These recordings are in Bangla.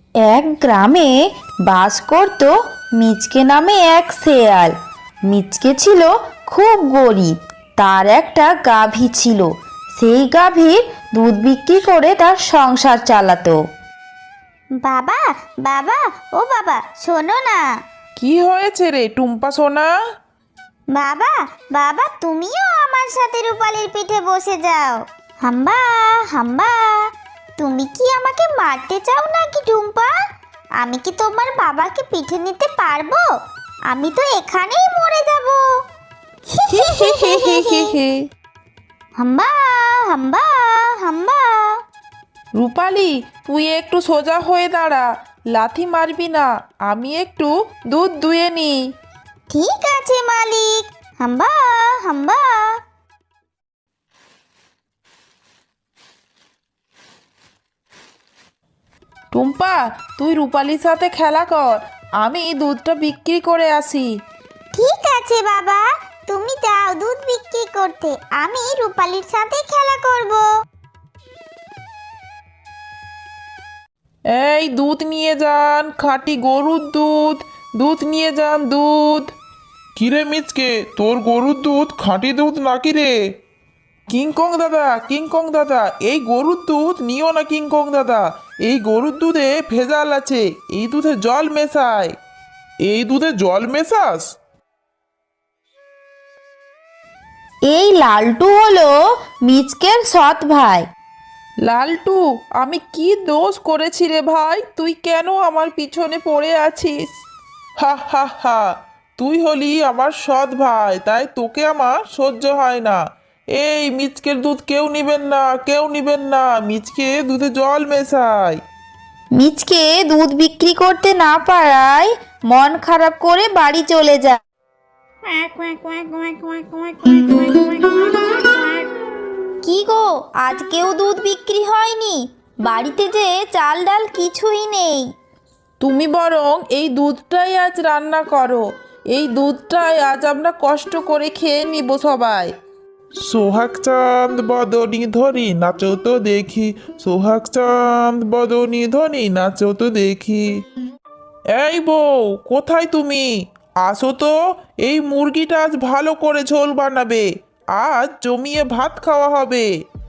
এক গ্রামে বাস করত মিচকে নামে এক শেয়াল। মিচকে ছিল খুব গরিব। তার একটা গাভী ছিল। সেই গাভীর দুধ বিক্রি করে তার সংসার চালাতো। বাবা, বাবা, ও বাবা, শোনো না। কি হয়েছে রে টুম্পা সোনা? বাবা, বাবা, তুমিও আমার সাথে রূপালীর পিঠে বসে যাও। হাম্বা, হাম্বা। তুমি কি আমাকে মারতে চাও নাকি টুম্পা? আমি কি তোমার বাবাকে পিঠে নিতে পারবো? আমি তো এখানেই মরে যাব। হাম্বা, হাম্বা, হাম্বা। রূপালি, তুই একটু সোজা হয়ে দাঁড়া, লাথি মারবি না। আমি একটু দুধ দুয়ে নি। ঠিক আছে মালিক। হাম্বা, হাম্বা। টুম্পা, তুই রূপালির সাথে খেলা কর, আমি দুধটা বিক্রি করে আসি। ঠিক আছে বাবা, তুমি যাও দুধ বিক্রি করতে, আমি রূপালীর সাথে খেলা করব। এই দুধ নিয়ে যান, খাঁটি গরুর দুধ। দুধ নিয়ে যান, দুধ। কিরে মিচকে, তোর গরুর দুধ খাঁটি দুধ নাকি রে? কিংকং দাদা, কিংকং দাদা, এই গরুর দুধ নিও না কিংকং দাদা। এই গরুর দুধে ভেজাল আছে, এই দুধে জল মেশায়। এই দুধে জল মেশাস? এই লালটু হলো মিচকের সৎ ভাই। লালটু, আমি কি দোষ করেছি রে ভাই? তুই কেন আমার পিছনে পড়ে আছিস? হা হা হা, তুই হলি আমার সৎ ভাই, তাই তোকে আমার সহ্য হয় না। এই মিচকের দুধ কেউ নিবেন না, কেউ নিবেন না। মিচকে দুধে জল মেশায়। মিচকে দুধ বিক্রি করতে না পারায় মন খারাপ করে বাড়ি চলে যায়। কি গো, আজকেও দুধ বিক্রি হয়নি? বাড়িতে যে চাল ডাল কিছুই নেই। তুমি বরং এই দুধটাই আজ রান্না করো। এই দুধটাই আজ আমরা কষ্ট করে খেয়ে নিব সবাই। সোহাগ চাঁদ বদনি ধরি নাচো তো দেখি, সোহাগ চাঁদ বদনি ধরি নাচো তো দেখি। এই বউ, কোথায় তুমি? আসো তো, এই মুরগিটা আজ ভালো করে ঝোল বানাবে। আজ জমিয়ে ভাত খাওয়া হবে।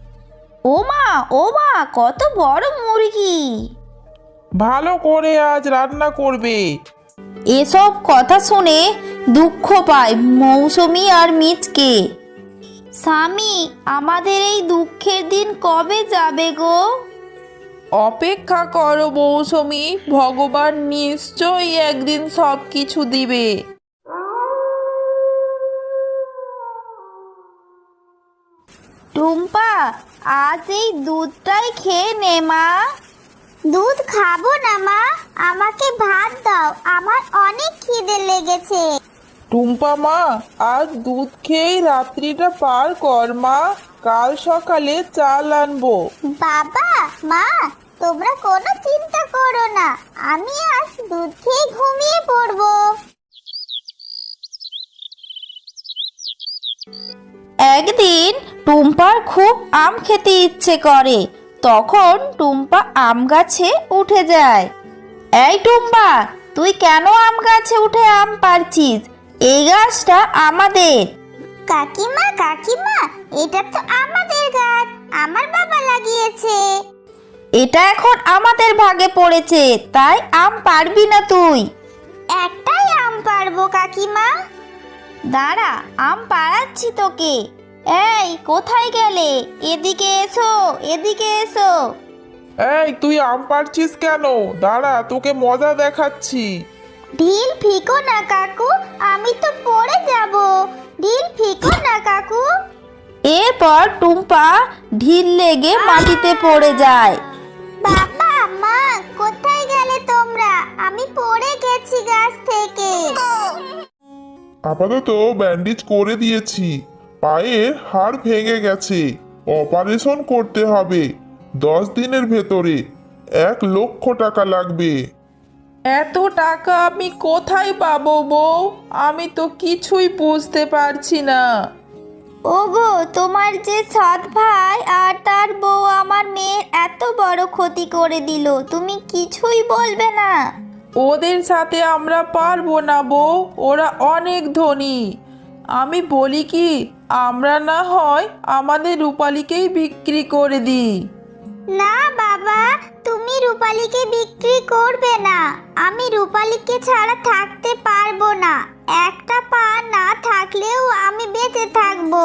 ও মা, কত বড় মুরগি! ভালো করে আজ রান্না করবে। এসব কথা শুনে দুঃখ পায় মৌসুমী আর মিচকে। স্বামী, আমাদের এই দুঃখের দিন কবে যাবে গো? অপেক্ষা করো মৌসুমী, ভগবান নিশ্চয়ই একদিন সব কিছু দিবে। টুম্পা, আজ এই দুধটাই খেয়ে নে মা। দুধ খাবো না মা, আমাকে ভাত দাও, আমার অনেক খিদে লেগেছে। টুম্পা মা, আজ দুধ খেয়েই রাত্রিটা পার কর মা। কাল সকালে চাল আনবো। বাবা, মা, তোমরা কোনো চিন্তা করো না, আমি আজ দুধ খেয়ে ঘুমিয়ে পড়বো। একদিন টুম্পার খুব আম খেতে ইচ্ছে করে। তখন টুম্পা আম গাছে উঠে যায়। এই টুম্পা, তুই কেন আম গাছে উঠে আম পাড়ছিস? এই গাছটা আমাদের। কাকিমা, কাকিমা, এটা তো আমাদের গাছ, আমার বাবা লাগিয়েছে। এটা এখন আমাদের ভাগে পড়েছে, তাই আম পারবি না তুই। একটাই আম পারবো কাকিমা। দাঁড়া, আম পাড়াচ্ছি তোকে। এই, কোথায় গেলে? এদিকে এসো, এদিকে এসো। এই, তুই আম পাড়ছিস কেন? দাঁড়া, তোকে মজা দেখাচ্ছি। ঢিল ফিকো না কাকু, আমি তো পড়ে যাব। ঢিল ফিকো না কাকু। এরপর টুম্পা ঢিল লেগে মাটিতে পড়ে যায়। বাবা, মা, কোথায় গেলে তোমরা? আমি পড়ে গেছি গাছ থেকে। আপাতত ব্যান্ডেজ করে দিয়েছি, পায়ের হাড় ভেঙে গেছে, অপারেশন করতে হবে। 10 দিনের ভেতরে 1,00,000 টাকা লাগবে। এত টাকা আমি কোথায় পাবো বউ? আমি তো কিছুই বুঝতে পারছি না। ওগো, তোমার যে সৎ ভাই আর তার বউ আমার মেয়ের এত বড় বড় ক্ষতি করে দিল, তুমি কিছুই বলবে না? ওদের সাথে আমরা পারবো না বউ, ওরা অনেক ধনী। আমি বলি কি, আমরা না হয় আমাদের রূপালীকেই বিক্রি করে দিই। না বাবা, তুমি রূপালীকে বিক্রি করবে না। আমি রূপালীকে ছাড়া থাকতে পারবো না। একটা পা না থাকলেও আমি বেঁচে থাকবো।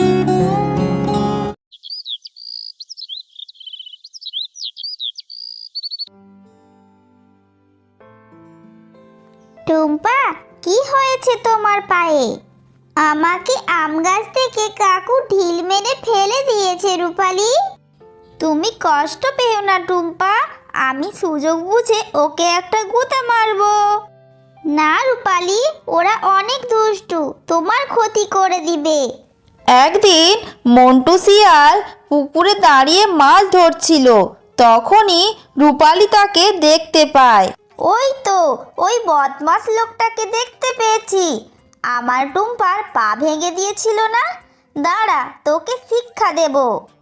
টুম্পা, কি হয়েছে তোমার পায়ে? আমাকে আম গাছ থেকে কাকু ঢিল মেরে ফেলে দিয়েছে রূপালী। তুমি কষ্ট পেও না টুম্পা, আমি সুযোগ বুঝে ওকে একটা গুঁতা মারবো। না রূপালী, ওরা অনেক দুষ্টু, তোমার ক্ষতি করে দিবে। একদিন মন্টু শিয়াল পুকুরে দাঁড়িয়ে মাছ ধরছিল। তখনই রূপালী তাকে দেখতে পায়। ওই তো, ওই বদমাস লোকটাকে দেখতে পেয়েছি। আমার টুম্পার পা ভেঙে দিয়েছিল না? দাঁড়া, তোকে শিক্ষা দেব।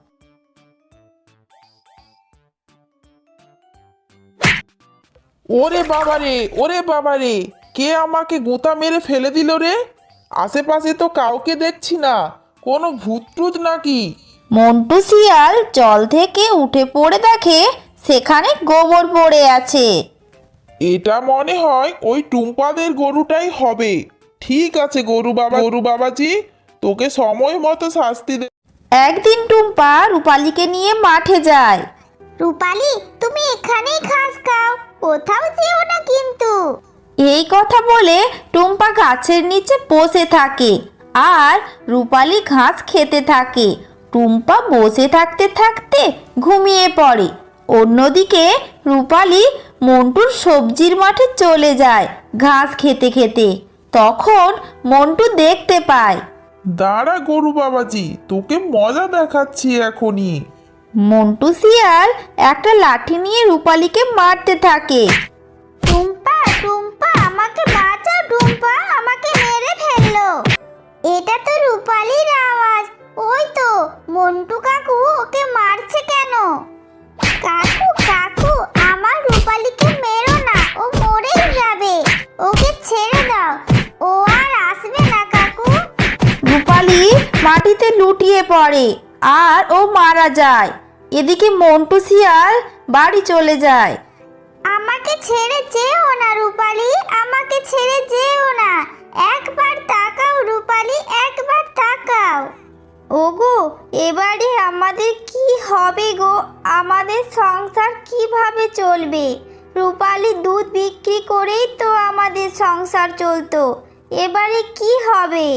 ওরে বাবারে, ওরে বাবারে, কে আমাকে গোতা মেরে ফেলে দিল রে? আশেপাশে তো কাউকে দেখছি না, কোনো ভূত টুত নাকি? মন্টু শিয়াল জল থেকে উঠে পড়ে দেখে সেখানে গোবর পড়ে আছে। এটা মনে হয় ওই টুম্পাদের গরুটাই হবে। ঠিক আছে গরু বাবাজি, তোকে সময় মতো শাস্তি দে। একদিন টুম্পা রূপালীকে নিয়ে মাঠে যায়। রূপালী, তুমি এখানেই ঘাস খাও, কোথাও যেও না কিন্তু। এই কথা বলে টুম্পা গাছের নিচে বসে থাকে আর রূপালী ঘাস খেতে থাকে। টুম্পা বসে থাকতে থাকতে ঘুমিয়ে পড়ে। অন্যদিকে রূপালী মন্টুর সবজির মাঠে চলে যায় ঘাস খেতে খেতে। তখন মন্টু দেখতে পায় দাঁড়া গরু বাবাজি, তোকে মজা দেখাচ্ছি এখনই। মন্টু শিয়াল একটা লাঠি নিয়ে রূপালীকে মারতে থাকে। টুম্পা, টুম্পা, আমাকে বাঁচাও টুম্পা, আমাকে মেরে ফেললো। এটা তো রূপালীর আওয়াজ। ওই তো মন্টু কাকু ওকে মারছে কেন? কাকু কাকু, আমার রূপালীকে মেরো না, ও মরেই যাবে। ওকে ছেড়ে দাও, ও আর আসবে না কাকু। রূপালী মাটিতে লুটিয়ে পড়ে আর ও মারা যায়। এদিকে মন্টু শিয়াল বাড়ি চলে যায়। আমাকে ছেড়ে যেও না রূপালী, আমাকে ছেড়ে যেও না। একবার তাকাও রূপালী, একবার তাকাও। ওগো, এবারে আমাদের কি হবে গো? আমাদের সংসার কিভাবে চলবে? রূপালী দুধ বিক্রি করেই তো আমাদের সংসার চলতো, এবারে কি হবে?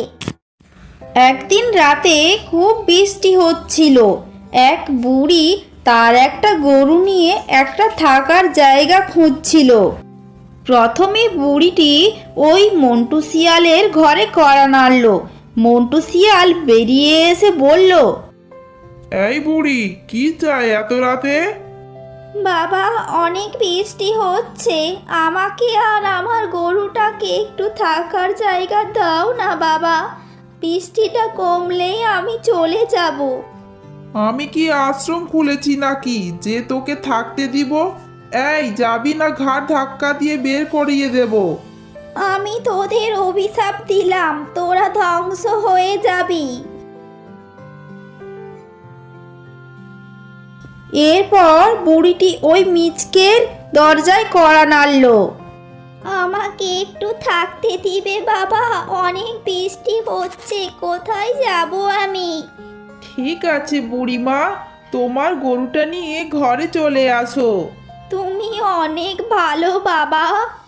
একদিন রাতে খুব বৃষ্টি হচ্ছিল। এক বুড়ি তার একটা গরু নিয়ে একটা থাকার জায়গা খুঁজছিল। প্রথমে বুড়িটি ওই মন্টু শিয়ালের ঘরে কড়া নাড়ল। মন্টু শিয়াল বেরিয়ে এসে বলল, এই বুড়ি, কি চাই এত রাতে? বাবা, অনেক বৃষ্টি হচ্ছে, আমাকে আর আমার গরুটাকে একটু থাকার জায়গা দাও না বাবা। বৃষ্টিটা কমলেই আমি চলে যাব। আমি কি আশ্রম খুলেছি নাকি যে তোকে থাকতে দিব? এই যাবি না, ঘাট ধাক্কা দিয়ে বের করিয়ে দেব। আমি তোদের অভিশাপ দিলাম, তোরা ধ্বংস হয়ে যাবি। এরপর বুড়িটি ওই মিচকের দরজায় কড়া নাড়ল। আমাকে একটু থাকতে দিবে বাবা, অনেক বৃষ্টি হচ্ছে, কোথায় যাব আমি? ঠিক আছে বুড়িমা, তোমার গরুটা নিয়ে ঘরে চলে আসো। তুমি অনেক ভালো বাবা।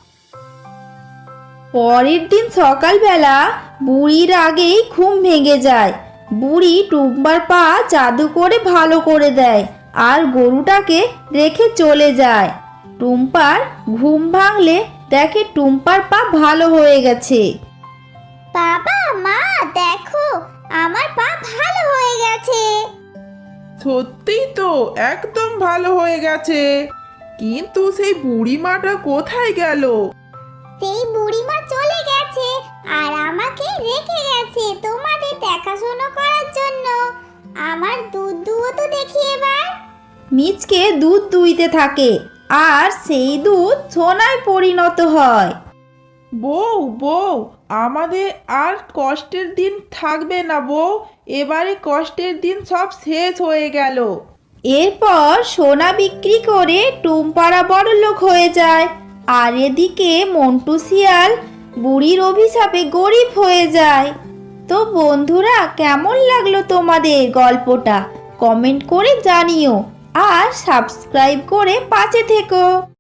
পরের দিন সকালবেলা বুড়ির আগেই ঘুম ভেঙে যায়। বুড়ি টুম্পার পা জাদু করে ভালো করে দেয় আর গরুটাকে রেখে চলে যায়। টুম্পার ঘুম ভাঙলে দেখে টুম্পার পা ভালো হয়ে গেছে। বাবা মা, দেখো আমার পা ভালো হয়ে গেছে। সত্যিই তো, একদম ভালো হয়ে গেছে। কিন্তু সেই বুড়িমাটা কোথায় গেল? সেই বুড়িমা চলে গেছে আর আমাকে রেখে গেছে তোমাদের দেখাশোনা করার জন্য। আমার দুধ দুও তো দেখি এবার। মিচকে দুধ দুইতে থাকে আর সেই দুধ সোনায় পরিণত হয়। বউ বউ, আমাদের আর কষ্টের দিন থাকবে না বউ, এবারে কষ্টের দিন সব শেষ হয়ে গেল। এরপর সোনা বিক্রি করে টুম্পারা বড়লোক হয়ে যায়, আর এদিকে মন্টু শিয়াল বুড়ির অভিশাপে গরিব হয়ে যায়। তো বন্ধুরা, কেমন লাগলো তোমাদের গল্পটা? কমেন্ট করে জানিও আর সাবস্ক্রাইব করে পাশে থেকো।